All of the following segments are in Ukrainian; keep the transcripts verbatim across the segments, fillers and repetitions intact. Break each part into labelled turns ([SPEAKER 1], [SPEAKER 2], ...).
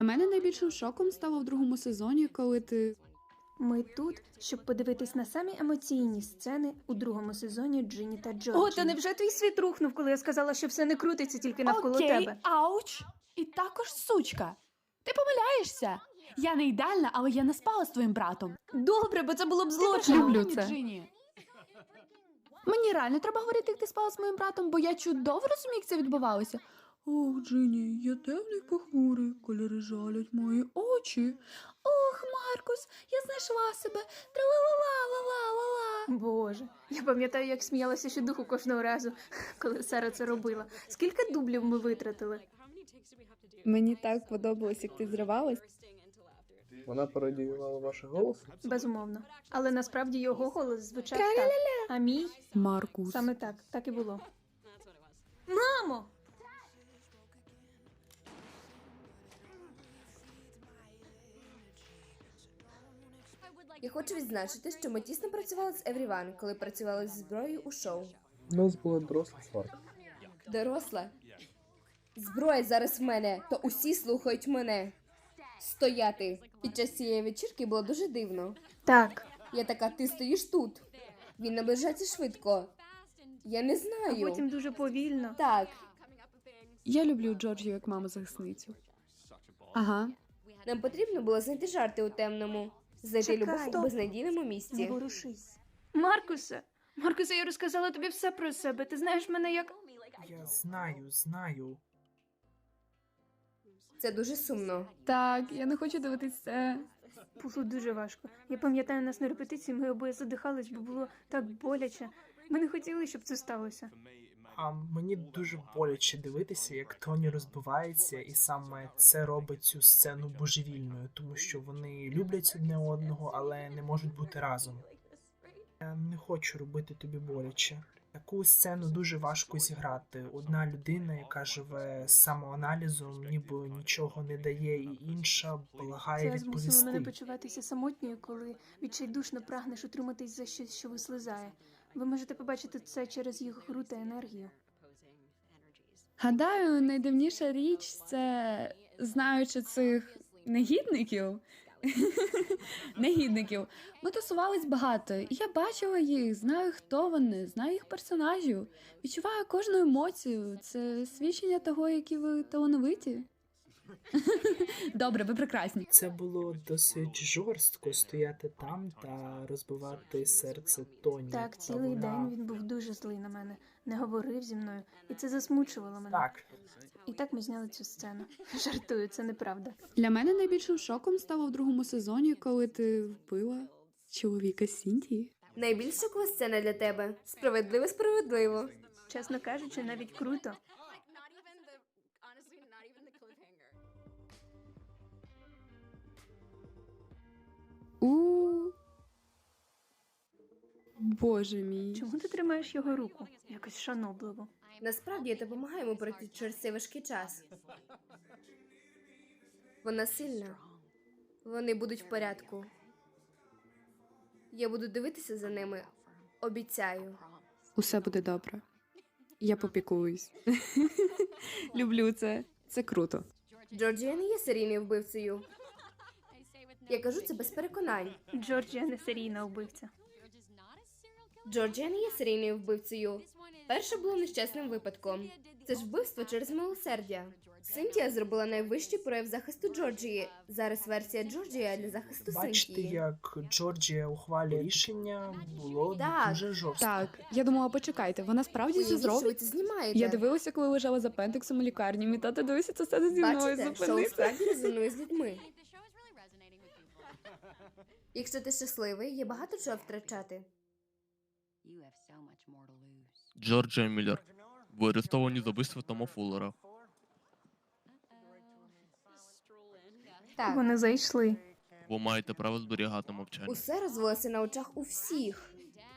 [SPEAKER 1] Для мене найбільшим шоком стало в другому сезоні, коли ти...
[SPEAKER 2] Ми тут, щоб подивитись на самі емоційні сцени у другому сезоні Джинні та Джорджі. О, та невже твій світ рухнув, коли я сказала, що все не крутиться тільки навколо
[SPEAKER 1] Окей,
[SPEAKER 2] тебе?
[SPEAKER 1] ауч! І також сучка. Ти помиляєшся. Я не ідеальна, але я не спала з твоїм братом.
[SPEAKER 2] Добре, бо це було б
[SPEAKER 1] Ти
[SPEAKER 2] злочином.
[SPEAKER 1] Люблю це. Джині. Мені реально треба говорити, як ти спала з моїм братом, бо я чудово розумію, як це відбувалося. Ох, Джині, я темний похмурий, кольори жалять мої очі. Ох, Маркус, я знайшла себе. Тра-ла-ла-ла-ла-ла-ла.
[SPEAKER 2] Боже, я пам'ятаю, як сміялася ще духу кожного разу, коли Сара це робила. Скільки дублів ми витратили?
[SPEAKER 1] Мені так подобалось, як ти зривалась.
[SPEAKER 3] Вона пародіювала ваш голос?
[SPEAKER 2] Безумовно. Але насправді його голос звучав так. А мій?
[SPEAKER 1] Маркус.
[SPEAKER 2] Саме так, так і було. Мамо!
[SPEAKER 4] Я хочу відзначити, що ми тісно працювали з Everyone, коли працювали зі зброєю у шоу.
[SPEAKER 3] У нас була доросла сварка.
[SPEAKER 4] Доросла. Зброя зараз в мене, то усі слухають мене. Стояти. Під час цієї вечірки було дуже дивно.
[SPEAKER 2] Так.
[SPEAKER 4] Я така, ти стоїш тут. Він наближається швидко. Я не
[SPEAKER 2] А
[SPEAKER 4] знаю.
[SPEAKER 2] потім дуже повільно.
[SPEAKER 4] Так,
[SPEAKER 1] Я люблю Джорджію як маму-захисницю. Ага.
[SPEAKER 4] нам потрібно було знайти жарти у темному. Знайти
[SPEAKER 2] Чекай.
[SPEAKER 4] любов у
[SPEAKER 2] Стоп.
[SPEAKER 4] безнадійному
[SPEAKER 2] Не
[SPEAKER 4] місці.
[SPEAKER 2] ворушись. Маркусе! Маркусе, я розказала тобі все про себе. Ти знаєш мене як...
[SPEAKER 5] Я знаю, знаю.
[SPEAKER 4] Це дуже сумно.
[SPEAKER 1] Так, я не хочу дивитись це.
[SPEAKER 2] Було дуже важко. Я пам'ятаю нас на репетиції, ми обоє задихались, бо було так боляче. Ми не хотіли, щоб це сталося.
[SPEAKER 5] А мені дуже боляче дивитися, як Тоні розбивається, і саме це робить цю сцену божевільною, тому що вони люблять одне одного, але не можуть бути разом. Я не хочу робити тобі боляче. Таку сцену дуже важко зіграти. Одна людина, яка живе самоаналізом, ніби нічого не дає, і інша благає
[SPEAKER 2] Це змусило мене
[SPEAKER 5] відповісти.
[SPEAKER 2] почуватися самотньою, коли відчайдушно прагнеш утриматись за щось, що вислизає. Ви можете побачити це через їх гру та енергію.
[SPEAKER 1] Гадаю, найдивніша річ це, знаючи цих негідників, негідників, ми тусувались багато, і я бачила їх, знаю, хто вони, знаю їх персонажів, відчуваю кожну емоцію. Це свідчення того, які ви талановиті. Добре, ви прекрасні.
[SPEAKER 5] Це було досить жорстко стояти там та розбивати серце Тоні.
[SPEAKER 2] Так,
[SPEAKER 5] Та
[SPEAKER 2] цілий
[SPEAKER 5] вона-
[SPEAKER 2] день він був дуже злий на мене, не говорив зі мною, і це засмучувало мене.
[SPEAKER 5] Так,
[SPEAKER 2] І так ми зняли цю сцену. Жартую, це неправда.
[SPEAKER 1] Для мене найбільшим шоком стало в другому сезоні, коли ти вбила чоловіка Сінтії.
[SPEAKER 4] Найбільш шокова сцена для тебе. Справедливо, справедливо.
[SPEAKER 2] Чесно кажучи, навіть круто.
[SPEAKER 1] У Боже мій.
[SPEAKER 2] Чому ти тримаєш його руку? Якось шанобливо.
[SPEAKER 4] Насправді я допомагаю йому пройти через цей важкий час. Вона сильна. Вони будуть в порядку. Я буду дивитися за ними. Обіцяю.
[SPEAKER 1] Усе буде добре. Я попіклуюсь. Люблю це. Це круто.
[SPEAKER 4] Джорджія не є серійною вбивцею. Я кажу це без переконань.
[SPEAKER 2] Джорджія не серійна вбивця.
[SPEAKER 4] Джорджія не є серійною вбивцею. Перше було нещасним випадком. Це ж вбивство через милосердя. Синтія зробила найвищий прояв захисту Джорджії. Зараз версія Джорджія для захисту
[SPEAKER 5] бачите,
[SPEAKER 4] Синтії.
[SPEAKER 5] як Джорджія ухвалює рішення, було
[SPEAKER 4] Так.
[SPEAKER 5] дуже жорстко.
[SPEAKER 1] Так, я думала, почекайте, вона справді це
[SPEAKER 4] Уявіть, що ви
[SPEAKER 1] зробить?
[SPEAKER 4] це знімаєте.
[SPEAKER 1] Я дивилася, коли лежала з апендиксом у лікарні. Мій тато дивився це все зі мною.
[SPEAKER 4] Бачите, шоу
[SPEAKER 1] Зупинися.
[SPEAKER 4] справді резонує з людьми. Якщо ти щасливий, є багато чого втрачати.
[SPEAKER 6] Джорджія Міллер. Ви арестовані за вбивство Тома Фуллера.
[SPEAKER 4] Так,
[SPEAKER 2] Вони зайшли.
[SPEAKER 6] Ви маєте право зберігати мовчання.
[SPEAKER 4] усе розвелося на очах у всіх.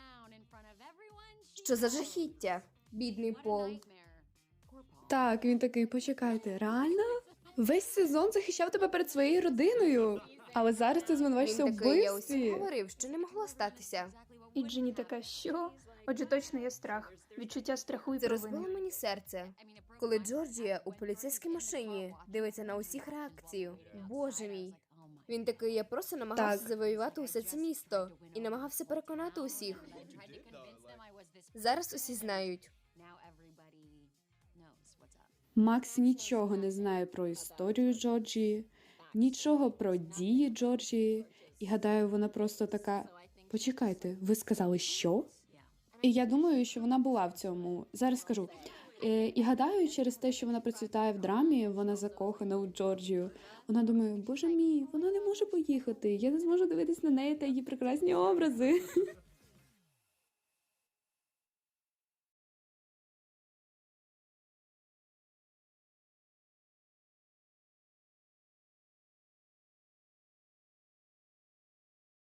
[SPEAKER 4] Що за жахіття, бідний Пол.
[SPEAKER 1] Так, він такий, почекайте, реально? Весь сезон захищав тебе перед своєю родиною. Але зараз ти звинувачишся
[SPEAKER 4] Він
[SPEAKER 1] в
[SPEAKER 4] такий, я усім
[SPEAKER 1] вбивстві.
[SPEAKER 4] говорив, що не могло статися.
[SPEAKER 2] І Джинні така, що? Отже, точно є страх. Відчуття страху і
[SPEAKER 4] Це
[SPEAKER 2] провини.
[SPEAKER 4] розбило мені серце. Коли Джорджія у поліцейській машині дивиться на усіх реакцію. Боже мій. Він такий, я просто намагався
[SPEAKER 1] Так.
[SPEAKER 4] завоювати усе це місто і намагався переконати усіх. Зараз усі знають.
[SPEAKER 1] Макс нічого не знає про історію Джорджії, нічого про дії Джорджії, і гадаю, вона просто така: почекайте, ви сказали що? І я думаю, що вона була в цьому. Зараз скажу. Е, І гадаю, через те, що вона процвітає в драмі, вона закохана у Джорджію. Вона думає, боже мій, вона не може поїхати, я не зможу дивитись на неї та її прекрасні образи.